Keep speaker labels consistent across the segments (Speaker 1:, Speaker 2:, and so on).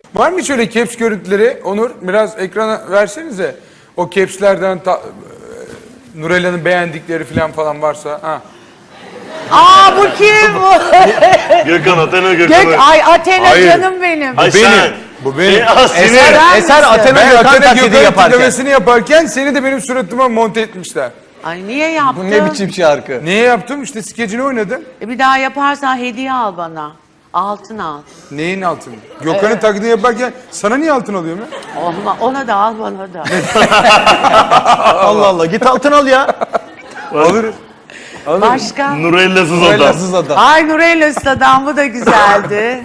Speaker 1: Var mı şöyle caps görüntüleri? Onur biraz ekrana versenize. O capslerden Nurella'nın beğendikleri falan varsa. Ha.
Speaker 2: Aa bu kim bu?
Speaker 3: Gökhan, Athena Gökhan.
Speaker 2: Ay Athena
Speaker 1: Hayır.
Speaker 2: canım benim.
Speaker 3: Ay
Speaker 1: Benim.
Speaker 3: sen.
Speaker 1: Bu benim.
Speaker 2: Eser
Speaker 4: Athena
Speaker 1: Ben
Speaker 4: Gökhan
Speaker 1: Athena
Speaker 4: taklidi
Speaker 1: Gökhan
Speaker 4: yaparken.
Speaker 1: tiplemesini yaparken seni de benim suratıma monte etmişler.
Speaker 2: Ay niye yaptın?
Speaker 4: Bu ne biçim şarkı?
Speaker 1: Niye yaptım? İşte skecini oynadım.
Speaker 2: Bir daha yaparsan hediye al bana. Altın al.
Speaker 1: Neyin altını? Gökhan'ın taklidini yaparken sana niye altın alıyorum ya?
Speaker 2: Ona da al bana da.
Speaker 4: Allah Allah, git altın al ya.
Speaker 1: Alırız.
Speaker 2: Başka?
Speaker 3: Nurella'sız adam.
Speaker 4: Bellasız adam.
Speaker 2: Ay Nurella Usta'dan bu da güzeldi.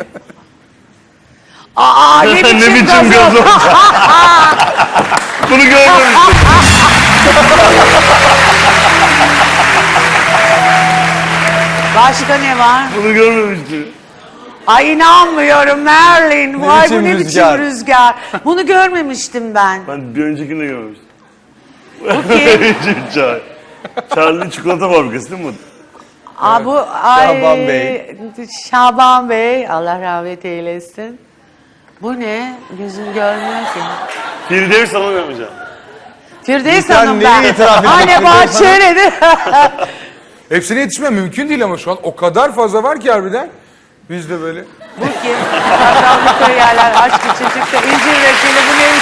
Speaker 2: Aa ne biçim,
Speaker 3: Ne biçim
Speaker 2: gazoz.
Speaker 3: gazoz? Bunu görmemiştim.
Speaker 2: Başka ne var?
Speaker 3: Bunu görmemiştim.
Speaker 2: Ay inanmıyorum Merlin.
Speaker 4: Ne
Speaker 2: Vay
Speaker 4: biçim
Speaker 2: bu ne
Speaker 4: rüzgar.
Speaker 2: biçim rüzgar. Bunu görmemiştim ben.
Speaker 3: Ben bir öncekini de görmemiştim.
Speaker 2: Bu kim?
Speaker 3: Çay. Charlie çikolata fabrikası değil mi?
Speaker 2: Aa, bu ay,
Speaker 4: Şaban Bey.
Speaker 2: Şaban Bey. Allah rahmet eylesin. Bu ne? Gözüm görmüyor ki.
Speaker 3: Firdevs sana vermeyeceğim.
Speaker 2: Firdevs
Speaker 4: Sen
Speaker 2: Hanım
Speaker 4: neyi
Speaker 2: ben.
Speaker 4: itiraf ediyorsun
Speaker 2: Anne
Speaker 4: Firdevs
Speaker 2: Bahçeli'de.
Speaker 1: Hepsine yetişmem mümkün değil ama şu an o kadar fazla var ki harbiden. Biz de böyle.
Speaker 2: Bu kim? Sakranlıkları yerler. Aşk için çıktı. İncir reçeli bu neymiş?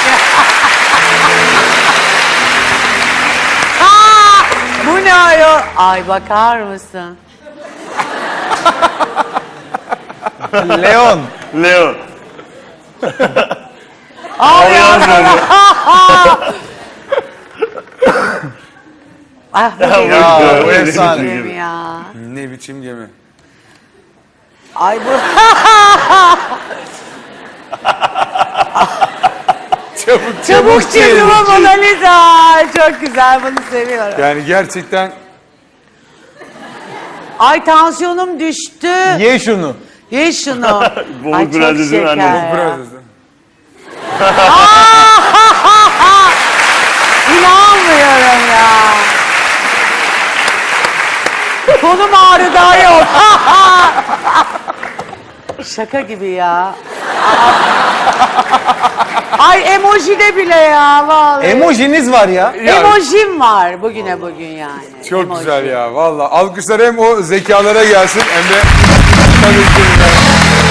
Speaker 2: Aa, bu ne ayol? Ay bakar mısın?
Speaker 4: Leon.
Speaker 3: Leo.
Speaker 2: Ay ya. Ah bu benim.
Speaker 4: Ya,
Speaker 3: Ya,
Speaker 4: bu efsane.
Speaker 2: Benim ya.
Speaker 1: Ne biçim gemi.
Speaker 2: Ay bu. Çabuk çizim Mona Lisa. Çok güzel, bunu seviyorum.
Speaker 1: Yani gerçekten
Speaker 2: Ay tansiyonum düştü.
Speaker 4: Ye şunu.
Speaker 2: Ye şunu.
Speaker 3: Bolu
Speaker 2: Ay çok
Speaker 3: Prenses'in
Speaker 2: şeker
Speaker 3: annesi.
Speaker 2: ya.
Speaker 1: biraz
Speaker 2: İnanmıyorum ya. Kolum ağrı daha yok. Şaka gibi ya. Ay emoji de bile ya vallahi.
Speaker 4: Emojiniz var ya.
Speaker 2: Emojim var bugüne bugün yani.
Speaker 1: çok
Speaker 2: Emoji.
Speaker 1: güzel ya. Vallahi alkışlar hem o zekalara gelsin hem de tabii ki